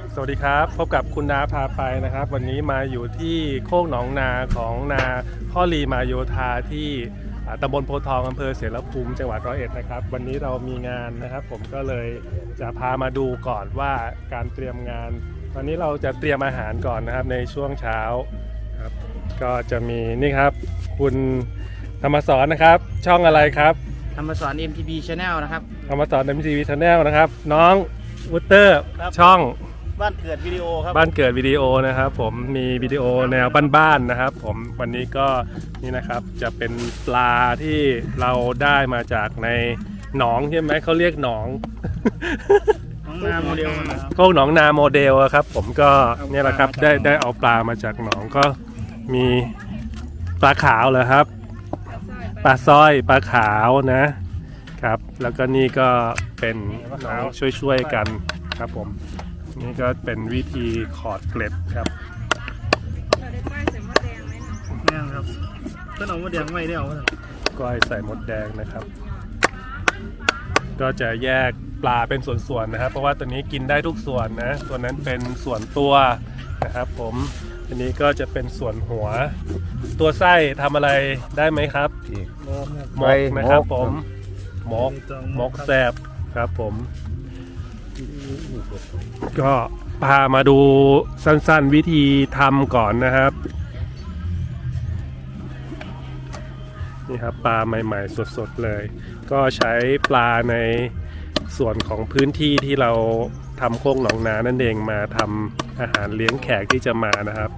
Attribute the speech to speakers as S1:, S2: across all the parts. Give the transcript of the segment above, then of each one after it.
S1: สวัสดีครับพบกับคุณนาพาไปนะครับวันนี้มาอยู่ที่โคกหนองนาของนาพ่อลีมาโยธาที่ตำบลโพธิ์ทองอำเภอเสรภูมิจังหวัดร้อยเอ็ดนะครับวันนี้เรามีงานนะครับผมก็เลยจะพามาดูก่อนว่าการเตรียมงานตอนนี้เราจะเตรียมอาหารก่อนนะครับในช่วงเช้าครับก็จะมีนี่ครับคุณธรรมสรนะครับช่องอะไรครับ
S2: ธรรมสร MTV Channel นะครับ
S1: ธรรมสร MTV Channel นะครับน้องวุตเตอร์ช่อง
S2: บ้านเกิดวิดีโอครับ
S1: บ้านเกิดวิดีโอนะครับผมมีวิดีโอแนวบ้านๆนะครับผมวันนี้ก็นี่นะครับจะเป็นปลาที่เราได้มาจากในหนองใช่ไหมเขาเรียกหนอง
S2: หนองนาโมเดล
S1: โคกหนองนาโมเดลครับผมก็เนี่ยแหละครับได้เอาปลามาจากหนองก็มีปลาขาวเหรอครับปลาสร้อยปลาขาวนะครับแล้วก็นี่ก็เป็นน้องช่วยๆกันครับผมนี่ก็เป็นวิธีขอดเกล็ดครับ
S3: เราได้ป้ายใส่มดแดงไหม
S2: แม่ครับต้นหอมมดแดงไม่ได้เอา
S1: ก้อยใส่มดแดงนะครับก็จะแยกปลาเป็นส่วนๆนะครับเพราะว่าตัวนี้กินได้ทุกส่วนนะตัวนั้นเป็นส่วนตัวนะครับผมอันนี้ก็จะเป็นส่วนหัวตัวไส้ทำอะไรได้ไหมครับหมกนะครับผมหมกแซ่บครับผมก็พามาดูสั้นๆวิธีทำก่อนนะครับนี่ครับปลาใหม่ๆสดๆเลยก็ใช้ปลาในส่วนของพื้นที่ที่เราทำโคกหนองนานั่นเองมาทำอาหารเลี้ยงแขกที่จะมานะครับ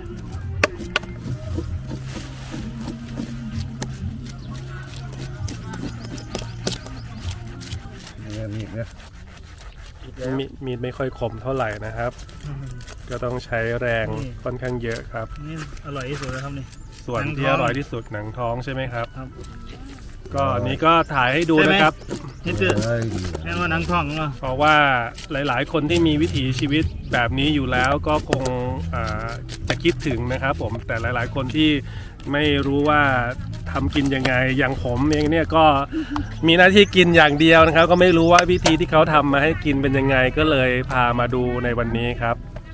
S1: มีดไม่ค่อยคมเท่าไหร่นะครับก็ต้องใช้แรงค่อนข้างเยอะครับ
S2: นี่อร่อยที่สุดแล้วครับนี่
S1: ส่วนที่อร่อยที่สุดหนังท้องใช่ไหมครับก็นี้ก็ถ่ายให้ดูนะครับ
S2: นี่คือแค่ว่าหนังท้อง
S1: เพราะว่าหลายๆคนที่มีวิถีชีวิตแบบนี้อยู่แล้วก็คงจะคิดถึงนะครับผมแต่หลายๆคนที่ไม่รู้ว่าทำกินยังไงอย่างผมเองเนี่ยก็มีหน้าที่กินอย่างเดียวนะครับก็ไม่รู้ว่าวิธีที่เขาทำมาให้กินเป็นยังไงก็เลยพามาดูในวันนี้ครับ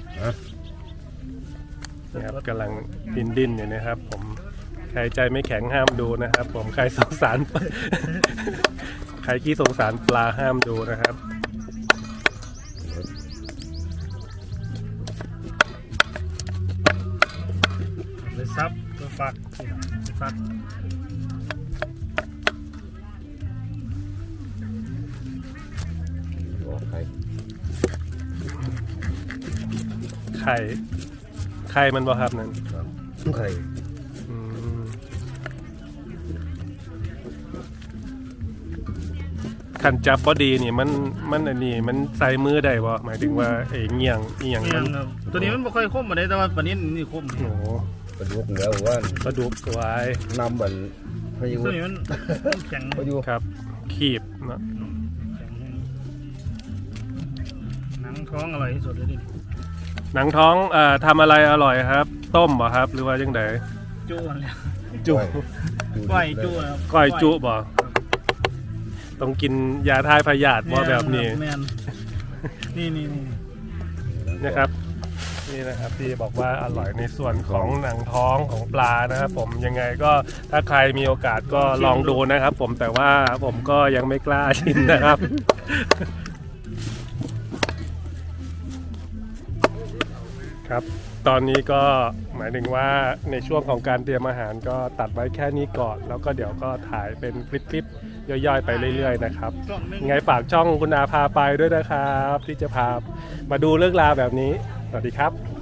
S1: นะครับกำลังดิ้นอยู่นะครับผมใครใจไม่แข็งห้ามดูนะครับผมใครสงสารใครขี้สงสารปลาห้ามดูนะครับ
S2: เลยซับตัวฟัก
S1: ไข่มันบ่ครับนั่น
S4: ไข่
S1: ขันจับพอดีนี่มันอันนี้มันใส่มือได้บ่หมายถึงว่าเงี่ยง
S2: ครับตัวนี้มันไม่ค่อยคมมาได้แต่ว่าปลานี้นี่คม
S1: โอ้
S4: ปลาดุกแล้วว่า
S1: ปลาดุกไว้
S4: นำบันพายุ
S2: ตัวนี้มันแข็ง
S4: พายุ
S1: ครับขีบเนาะ
S2: หนังท้องอร่อยที่สุดเลยดิ
S1: หนังท้องทำอะไรอร่อยครับต้มบ่ครับหรือว่ายังไง
S2: จุแล้ว
S1: จุ
S2: ก้อยจุครับ
S1: ก้อยจุบ่ต้องกินยาทายพยาธิบ่แบบนี้
S2: นี่
S1: นะครับนี่นะครับที่บอกว่าอร่อยในส่วนของหนังท้องของปลานะครับผมยังไงก็ถ้าใครมีโอกาสก็ลองดูนะครับผมแต่ว่าผมก็ยังไม่กล้าชิมนะครับครับตอนนี้ก็หมายถึงว่าในช่วงของการเตรียมอาหารก็ตัดไว้แค่นี้ก่อนแล้วก็เดี๋ยวก็ถ่ายเป็นคลิปย่อยๆไปเรื่อยๆนะครับไงฝากช่องคุณอาพาไปด้วยนะครับที่จะพามาดูเรื่องราวแบบนี้สวัสดีครับ